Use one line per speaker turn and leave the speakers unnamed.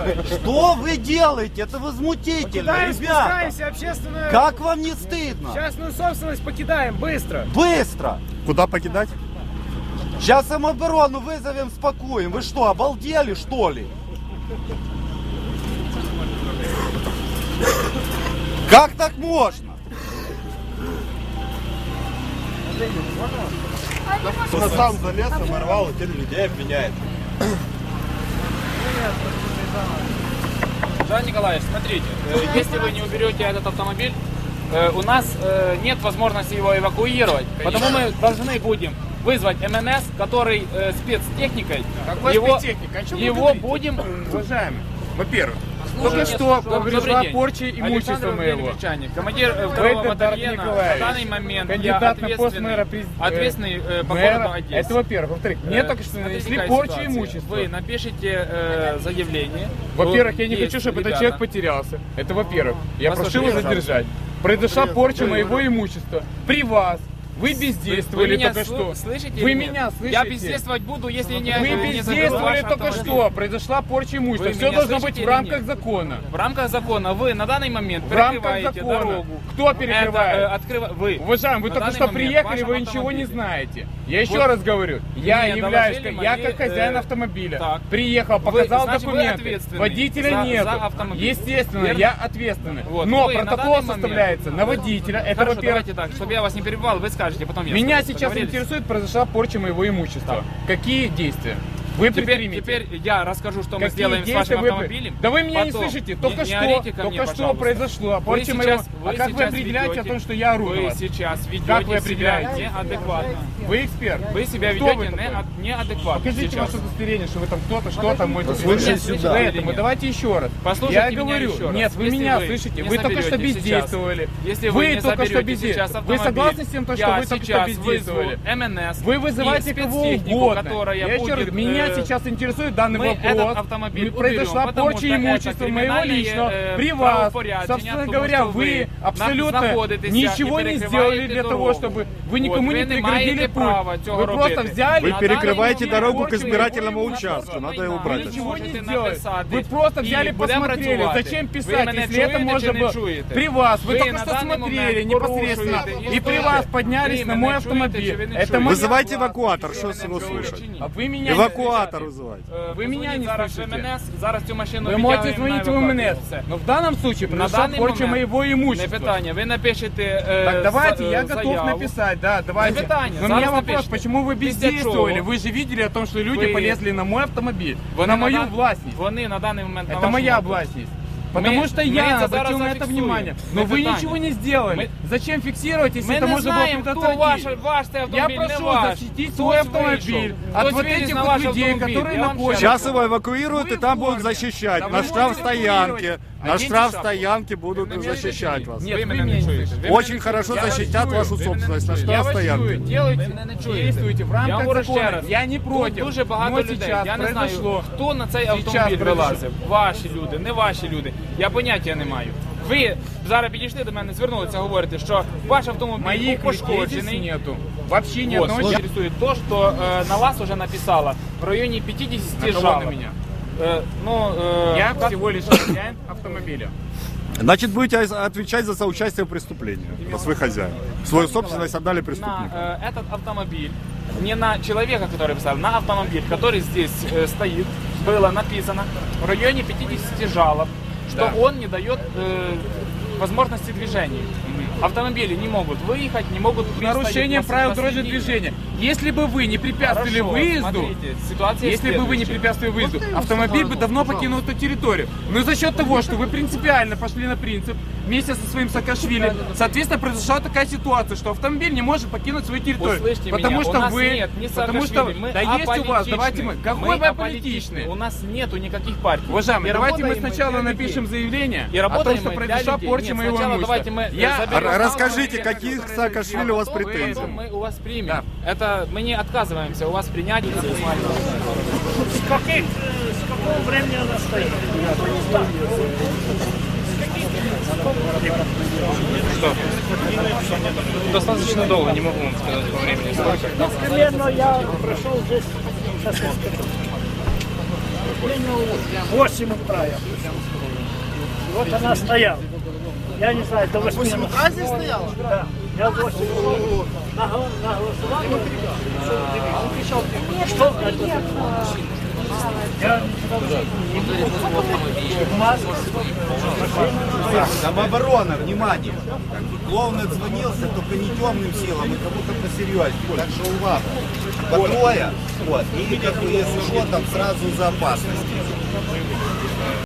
Что вы делаете? Это возмутительно, ребята.
Общественную...
Как вам не стыдно?
Частную собственность покидаем, быстро.
Быстро.
Куда покидать?
Сейчас самооборону вызовем, спокоим. Вы что, обалдели, что ли? Как так можно?
Кто сам залез, оборвал, и теперь людей обвиняет.
Жан Николаевич, смотрите, если вы не уберете этот автомобиль, у нас нет возможности его эвакуировать, потому мы должны будем вызвать МНС, который спецтехникой, его будем...
Уважаемый, во-первых,
Только что
пришла порча имущества моего.
Командир второго батальона на данный момент
кандидат на пост мэра,
ответственный по городу Одессе.
Это во-первых. Во-вторых, мне только что нанесли порчу имущества.
Вы напишите заявление.
Во-первых, я не хочу, чтобы этот человек потерялся. Это во-первых. Я прошу его задержать. Произошла порча моего имущества при вас. Вы бездействовали только что.
Слышите?
Вы меня слышите?
Я бездействовать буду, если не...
Вы бездействовали только что. Произошла порча имущества. Все должно быть в рамках закона.
В рамках закона вы на данный момент
в рамках
перекрываете
закона.
дорогу.
Кто перекрывает?
Вы.
Уважаемый, вы только что приехали, вы ничего не знаете. Я еще раз говорю, я являюсь, я как хозяин автомобиля. Приехал, показал документы. Водителя нет. Естественно, я ответственный. Но протокол составляется на водителя. Это во-первых.
Давайте так, чтобы я вас не перебивал, вы скажете, потом я.
Меня сейчас интересует, произошла порча моего имущества. Какие действия вы предпримете?
Теперь я расскажу, что мы сделаем с вашим автомобилем.
Да вы меня не слышите. Только что произошло. Порча моего... А как вы определяете о том, что я ору?
Вы сейчас ведете себя неадекватно.
Вы эксперт.
Вы себя ведете неадекватно.
Покажите ваше удостоверение, что вы там кто-то, что-то можете.
Слушай сюда.
Поэтому давайте еще раз.
Послушайте
я говорю,
еще раз.
нет, вы меня слышите. Вы только что бездействовали.
Если вы
только что бездействовали. Вы согласны с тем, что вы только что бездействовали?
МНС.
Вы вызываете кого угодно. Я еще раз, меня сейчас интересует данный вопрос. Произошла порча имущества моего личного при вас. Собственно говоря, вы абсолютно ничего не сделали для того, чтобы вы никому не преградили путь. Вы просто взяли...
Вы перекрываете дорогу к избирательному участку. Надо его убрать.
Ничего не сделали. Вы просто взяли, посмотрели. Зачем писать, если это можно было при вас? Вы только что смотрели непосредственно. И при вас поднялись на мой автомобиль.
Вызывайте эвакуатор, что с его слушать? Эвакуатор вызывайте.
Вы меня не слышите.
Зараз цю машину
вы можете звонить в МНС. Но в данном случае произошла порча моего имущества.
Питание. Ви напишете
так давайте, я готов написать, да, давайте. Но у меня вопрос, почему вы бездействовали? Вы же видели о том, что люди полезли на мой автомобиль, на мою властность.
Вони на данный момент
это моя властность. Потому что я обратил на это внимание. Но вы ничего не сделали. Зачем фиксировать, если это можно было предотвратить? Я прошу защитить свой автомобиль от вот этих вот людей, которые находятся.
Сейчас его эвакуируют, и там будут защищать. На штрафстоянке. На штрафстоянке будут защищать вас.
Нет, вы меня не слышите.
Очень хорошо защитят вашу собственность. На штрафстоянке.
Действуйте в рамках закона. Я не против.
Дуже багато людей. Я не знаю, хто на цей автомобіль вилазив. Ваші люди, не ваші люди. Я поняття не маю. Ви зараз підійшли до мене, звернулися, говорите, що ваш автомобіль пошкоджений.
Нету. Вообще ни одного
человека. Интересует то, что на вас уже написала в районе 50 жалоб.
На меня? Я всего лишь хозяин автомобиля.
Значит, будете отвечать за соучастие в преступлении, раз вы хозяин. Свою собственность отдали преступнику.
На этот автомобиль, не на человека, который писал, на автомобиль, который здесь стоит, было написано в районе 50 жалоб, что он не дает возможности движения. Автомобили не могут выехать, не могут...
Нарушение правил дорожного движения. Если бы вы не препятствовали выезду, автомобиль бы давно покинул эту территорию. Но за счет того, что вы принципиально пошли на принцип, вместе со своим Саакашвили, соответственно, произошла такая ситуация, что автомобиль не может покинуть свою территорию.
Услышьте
потому
меня,
что
у нас
вы...
нет ни
потому что... Да есть у вас, давайте мы... Какой вы аполитичный?
У нас нету никаких партий.
Уважаемые, давайте мы сначала напишем заявление о том, что произошла порча моего имущества.
Расскажите, каких Саакашвили у вас претензий?
Мы у вас примем. Да. Это мы не отказываемся у вас принять.
С какого времени она стоит?
Что? Достаточно долго, не могу вам сказать по времени.
Примерно я прошел здесь. В 8 утра я. Вот она стояла. Я не знаю, до 8 утра здесь стояла? Да. Я в 8 утра на голосование. Что значит? Я
Самооборона, внимание. Главное отзвонился, только не темным силам, и кому-то посерьезнее. Так что увага. По трое. Вот. И как бы, если что, там сразу за опасность.